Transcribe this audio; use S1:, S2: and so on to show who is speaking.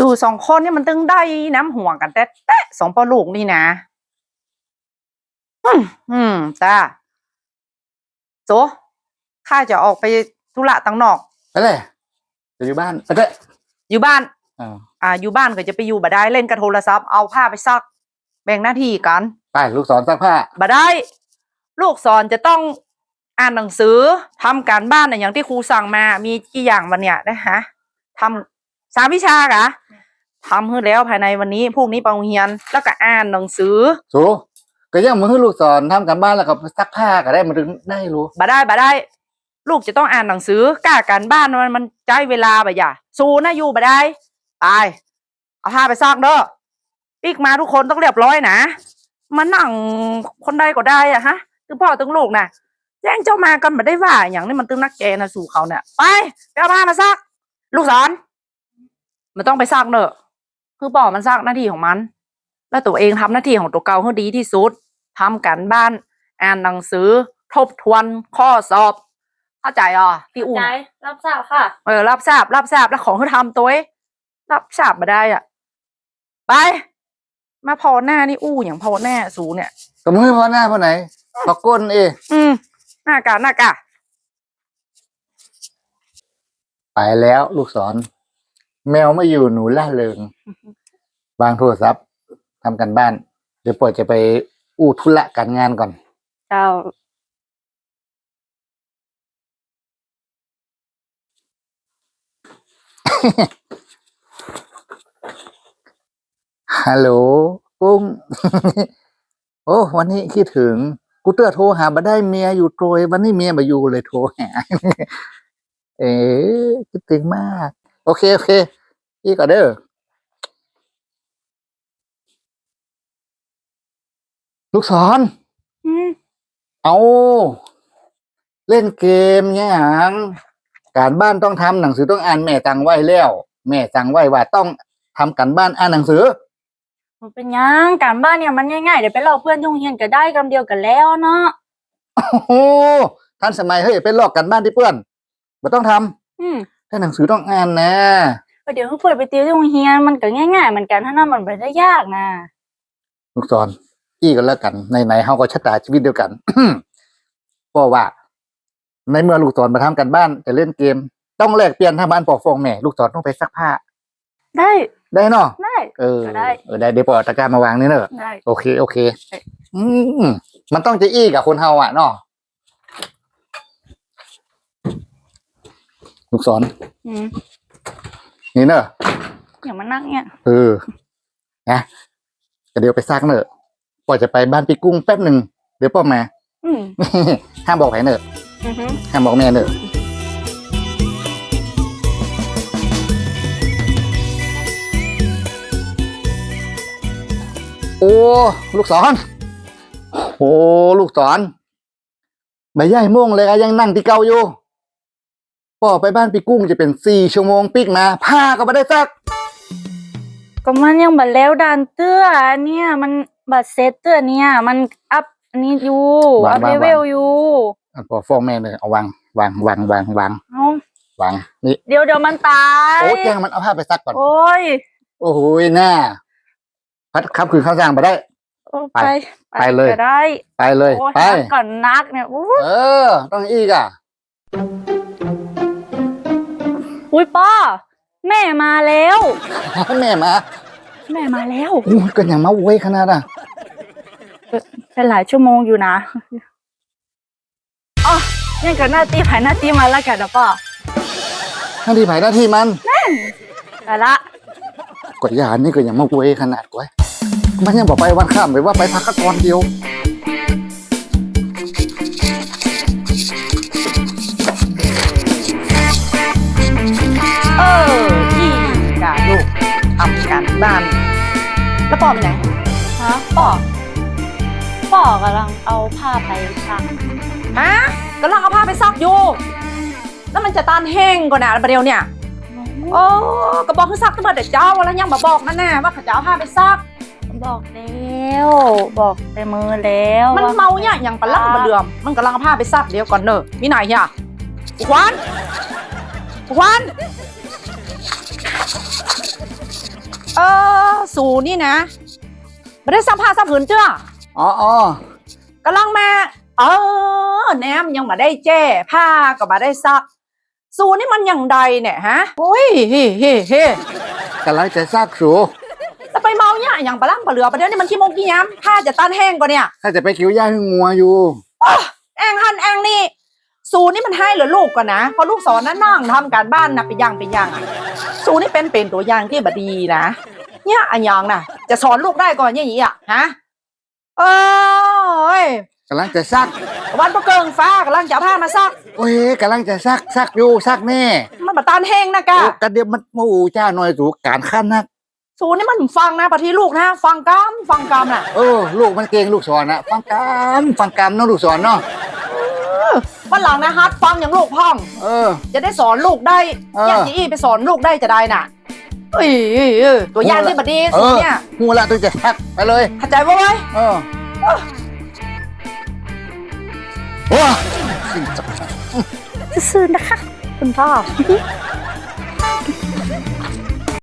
S1: สู่สองคนนี่มันตึงได้น้ำห่วงกันแต่สองปอลูกนี่นะจ้าโจข้าจะออกไปธุระต่างนอก
S2: ไปเลยจะอยู่บ้านไปเลย
S1: อยู่บ้านอยู่บ้านก็จะไปอยู่บ่ได้เล่นกับโทรศัพท์เอาผ้าไปซักแบ่งหน้าที่กัน
S2: ไปลูกศรซักผ้า
S1: บ่ได้ลูกศรจะต้องอ่านหนังสือทำการบ้านอย่างที่ครูสั่งมามีกี่อย่างวันเนี้ยนะฮะทำ3 วิชากะทำให้แล้วภายในวันนี้พวกนี้ไปโรงเรียนแล้วก็อ่านหนังสือ
S2: สูก็ยังมือลูกศรทำการบ้านแล้วก็ซักผ้าก็ได้มันถึงได้รู้
S1: บ่ได้ลูกจะต้องอ่านหนังสือกล้าการบ้านมันใช้เวลาบ่อย่าสู้นะอยู่บ่ได้ตายเอาผ้าไปซักเด้อปีกมาทุกคนต้องเรียบร้อยนะมานั่งคนใดก็ได้อะฮะตึงพ่อตึงลูกนะแจ้งเจ้ามากันบ่ได้ว่าอย่างนี้มันตึงนักแกนะสู่เขาเนี่ยไปเอาผ้ามาซักลูกศรมันต้องไปซักเนอะคือบอกมันซักหน้าที่ของมันแล้วตัวเองทำหน้าที่ของตัวเก่าให้ดีที่สุดทำการบ้านอ่านหนังสือทบทวนข้อสอบเข้าใจอ่ะที่อุ่น
S3: รับทราบค่ะ
S1: รับทราบแล้วของเขาทำตัวรับทราบมาได้อ่ะไปมาพอหน้านี่อย่างพอหน้าสูเนี่ย
S2: ก็ไม่พอหน้าพอไหนพอก้น
S1: หน้ากะ
S2: ไปแล้วลูกศรแมวไม่อยู่หนูล่าเริงวางโทรศัพท์ทำกันบ้านเดี๋ยวปล่อยจะไปธุระการงานก่อน
S3: เจ้า
S2: ฮัลโหลกุ้งโอ้วันนี้คิดถึงกูเตอร์โทรหาบ่ได้เมียอยู่โตยวันนี้เมียมาอยู่เลยโทรหาคิดถึงมากโอเคอีกก็เด้อลูกศรเอาเล่นเกมเนี่ยการบ้านต้องทำหนังสือต้องอ่านแม่สั่งไว้แล้วแม่สั่งไว้ว่าต้องทำการบ้านอ่านหนังสือ
S3: มันเป็นยังการบ้านเนี่ยมันง่ายๆเดี๋ยวไปเล่าเพื่อนทุ่งเฮียนก็ได้คำเดียวกันแล้วเนาะ
S2: โอ้โหท่านสมัยเฮ้ยเป็นลอกกันบ้านที่เพื่อนไม่ต้องทำถ้าหนังสือต้องอ่านนะ
S3: เดี๋ยวเพื่อนไปติวที่โรงเรียนมันก็ง่ายๆเหมือนกันถ้านั่นมันไม่ได้ยากนะ
S2: ลูกศรอี้กันแล้วกันไหนๆเฮาก็ชะตาชีวิตเดียวกัน เพราะว่าในเมื่อลูกศรมาทำกันบ้านจะเล่นเกมต้องแลกเปลี่ยนทำบ้านปอกฟองแม่ลูกศรต้องไปซักผ้าได้เนาะ
S3: ได้
S2: ได้เดี๋ยวปอตะกร้ามาวางนี่เนอะโอเคมันต้องจะอี้กับคนเฮาอ่ะเนาะลูกศรนี่เนอะ
S3: อย่างมันนั่งเนี่ย
S2: นะเดี๋ยวไปซักเนอะปอจะไปบ้านพี่กุ้งแป๊บหนึ่งเดี๋ยวปอมาห้ามบอกใครเนอะห้ามบอกแม่เนอะโอ้ลูกศรโอ้ลูกศรใบใหญ่ม่วงเลยยังนั่งที่เก่าอยู่พ่อไปบ้านพี่กุ้งจะเป็น4 ชั่วโมงปิกมาผ้าก็ไม่ได้ซัก
S3: ก็มันยังบัดแล้วดันเตื้อเนี่ยมันบัดเซตเตื้อเนี่ยมันอัพอันนี้อยู่อัพเลเวลอยู่
S2: พอฟ้องแม่เลยเอาวางนี่
S3: เดี๋ยวมันตาย
S2: โอ้แจ้งมันเอาผ้าไปซักก่อน
S3: โอ้
S2: ยหน้าพัดขับคืนข้าวจางไปได้ไปเลยไปเลยไป
S3: ก่อนนักเนี่ย
S2: ต้องอีกอ่ะ
S3: อุ้ยป้าแม่มาแล้ว
S2: แม่มา
S3: แล้ว
S2: ก็ยังมาเว้ยขนาดอ่ะ
S3: เป็นหลายชั่วโมงอยู่นะอ๋อนี่ก็หน้าที่มาแล้วกันนะป้า
S2: หน้าที่มัน
S3: แต่ละ
S2: กดยานี่ก็ยังมาเว้ยขนาดไว้มันยังบอกไปวันข้ามไปว่าไปพักก่อนเดียว
S1: กาลูกทำการบ้านแล้วปอเป็นไง
S3: ฮะปอกำลังเอาผ้าไปซัก
S1: กำลังเอาผ้าไปซักอยู่แล้วมันจะตานแห้งก่อนนะประเดี๋ยวเนี่ยโอ้กระบอกคือซักตั้งแต่เจ้าแล้วยังมาบอกนั่นแน่ว่าเขาจะเอาผ้าไปซัก
S3: บอกแล้วบอกแต่มือแล้ว
S1: มันเมาเนี่ยอย่างปลาล่ำปลาเดือมมันกำลังเอาผ้าไปซักเดี๋ยวก่อนเนอะมีไหนเนี่ยควันสูนี่นะไม่ได้ซักผ้าซักผืนเจ้า
S2: อ๋อ
S1: กำลังมาแหนมยังมาได้แจ้ผ้าก็มาได้ซัก สูนี่มันอย่างใดเนี่ยฮะโอ้ยเฮ้
S2: กำลังจะซากสู
S1: แล้วไปเมาเนี่ยอย่างปลาล่ำปลาเหลือประเดี๋ยวนี้มันขี้โมงขี้ย้ำผ้าจะต้านแห้งกว่าเนี่ย
S2: ถ้าจะไปคิวย่าให้งัวอยู่
S1: แองหันแองนี่ สูนี่มันให้เหรือลูกก่อนนะเพราะลูกสอนนั่งทำการบ้านนะเป็นอย่างอะสูนี่เป็นตัวอย่างที่บดีนะเนี่ยอันยังน่ะ จะสอนลูกได้ก่อนอย่างนี้อ่ะฮะเอ้ย
S2: กำลังจะซัก
S1: วันประเกิงฟ้ากำลังจะเอาผ้ามาซัก
S2: โอ้ยกำลังจะซักอยู่ซักแน่
S1: มันมาตานแห้งนะกะ
S2: โอ้กระเดียวมันโอ้จ้าหน่อยสูการขั้นนัก
S1: สูนี่มันฟังนะปะทีลูกนะฟังกำน่ะ
S2: ลูกมันเก่งลูกสอนนะฟังกรรมเนาะลูกสอนเนาะ
S1: วันหลังนะฮัทฟังอย่างลูกพ่อง จะได้สอนลูกได้ อย่างที่ไปสอนลูกได้จะได้น่ะเอ้ยตัวอย่างที่บดีสูเนี่ย
S2: หูละตัวจะซักไปเลย
S1: เข้าใจว่าไว้
S2: โอ้
S3: ซื่อๆนะคะ คุณพ่อ